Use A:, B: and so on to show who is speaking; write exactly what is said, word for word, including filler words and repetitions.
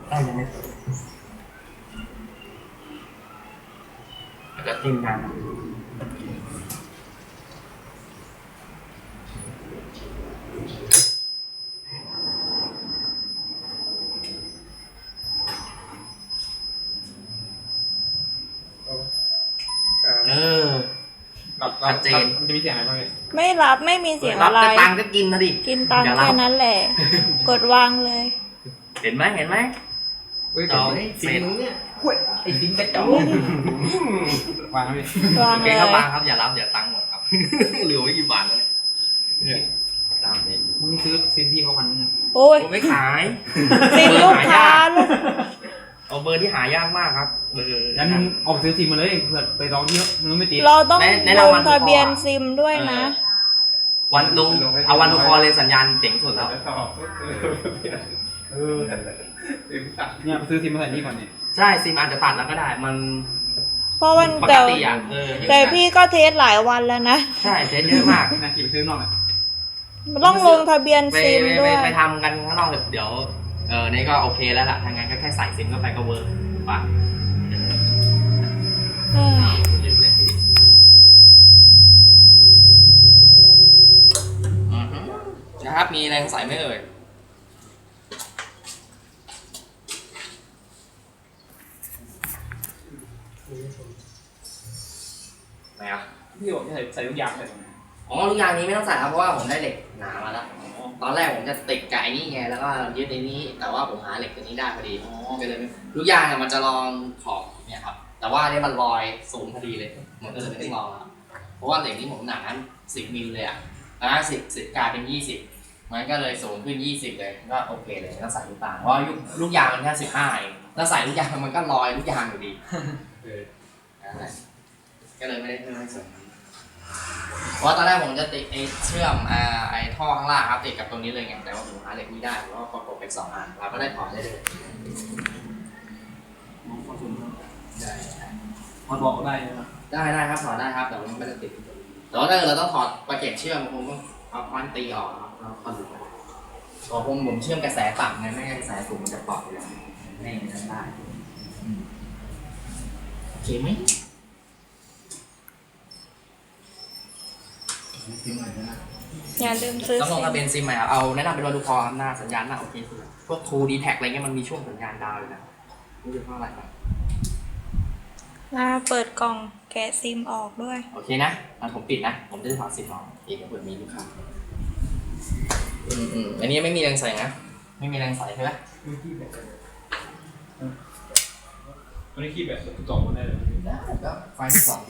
A: ได้ยังไม่แล้วก็จิ้มน้ำเออชัดเจนมันจะมีเสียงอะไรบ้างเนี่ย
B: ไม่รับไม่มีเสียง
A: รั
B: อะ
A: บ
B: ไร
A: แต่ตังก็กินนะดิ
B: กินตังแค่นั้นแหละ กดวางเลย
A: เห็นไหมเห็นไหมจอเสร็จเนี่ยไอ้ดิ้งกระจอกวางเลยว
B: าง
A: โอ
B: เล
A: เค
B: ย
A: ครับวางครับอย่ารับอย่าตังหมดครับเหลือไว้กี่บาทแล้วเนี่ยตามนี้
C: มึงซื้อซิมพี่เขาพันนึง
B: โอ้ย
A: ผมไม่ขาย
B: ซิมลูกค้าลูก
A: เอาเบอร์ที่หายากมากครับเบอร์
C: งั้นมึงออกไปซื้อซิมมาเลยเผื่อไปลองที่มึงไม่ติด
B: เราต้อง
A: ใน
B: ล
A: ราง
B: ง
A: วัล
B: ทะเบียนซิมด้วยนะ
A: วันลงเอาวันทุกคอเลยสัญญาณเจ๋งสุดแล้ว
C: เออเนี่ยไปซื้อซิมมาใส่นี่ก่อนเนี่ย
A: ใช่ซิมอาจจะตัดแล้วก็ได้มัน
B: เพราะวัน
A: ปก
B: แต่
A: ติอ่ะเออ
B: แต่พี่ก็เทสหลายวันแล้วนะ
A: ใช่เทสเยอะมาก
C: นะขี่ไปซื้อนอกอ่ะ
B: ต้องลงทะเบียน
A: ไป
B: ซิม
A: ไป
B: ด้วย
A: ไปทำกันข้างนอกเดี๋ยวเออนี่ก็โอเคแล้วล่ะทางงานก็แค่ใส่ซิมเข้าไปก็เวิร์กป่ะ
B: เอ้ย
A: ลืมเลยอือฮึนะครับมีแรงใส่ไหมเอ่ยไหนอ่ะ
C: พี่บอกจะใส่ใส่ทุกอย่างเลย
A: อ๋อทุกอย่างนี้ไม่ต้องใส่ครับเพราะว่าผมได้เหล็กหนามาแล้วตอนแรกผมจะติดกับไอ้นี่ไงแล้วก็ยึดในนี้แต่ว่าผมหาเหล็กตัวนี้ได้พอดีก็เลยทุกอย่างเนี่ยมันจะลองขอบเนี่ยครับแต่ว่าเนี่ยมันลอยสูงพอดีเลยมันก็เลยไม่ต้องลองแล้วเพราะว่าเหล็กนี้ผมหนาสิบมิลเลยอ่ะนะสิบสิบกลายเป็นยี่สิบมันก็เลยสูงขึ้นยี่สิบเลยก็โอเคเลยไม่ต้องใส่ลูกตาเพราะลูกยางมันแค่สิบห้าเองถ้าใส่ลูกยางมันก็ลอยลูกยางอยู่ดีเออก็เลยไม่ได้เพิ่มให้สูงเพราะตอนแรกผมจะติดไอ้เชื่อมอ่าไอ้ท่อข้างล่างครับติดกับตรงนี้เลยไงแต่ว่าผมหาเหล็กไม่ได้เพราะว่าประกบเป็นสองอันเราก็ได้ถอดได้เลยได้
C: มันบอกได้ใช่ไหม
A: ได้ได้ครับถอดได้ครับแต่ว่ามันไม่ได้ติดแต่ว่าถ้าเกิดเราต้องถอดประเก็บเชื่อมผมต้องเอาค้อนตีออกครับแล้วก็ดูเพราะผมผมเชื่อมกระแสต่ำไงไม่งั้นกระแสสูงมันจะปลอกเลยไม่ทำได้โอเคไหม
B: อย่าลืมซื้อ
A: ต้องล
B: ซิ
A: ง
B: ม
A: ทะเบียนซิมใหม่ครับเอาแนะนำเป็นวันดูคอครับหน้าสัญญาณหน้าโอเคสุดพวก True ดี แท็ก อะไรเงี้ยมันมีช่วงสัญญาณดาวอยู่นะไม่รู้เพราะอะไรครับ
B: มาเปิดกล่องแกะซิมออกด้วย
A: โอเคนะงั้นผมปิดนะผมจะได้ถอดซิมออกเองเปิดมีลูกค้าอืมอืมอันนี้ไม่มีแรงใส่นะไม่มีแรงใส่ใช่ไหม
C: ไม่ขี้แบบไม่ขี้แบบต่อมาได้เลย
A: ได้ก็ไฟสอง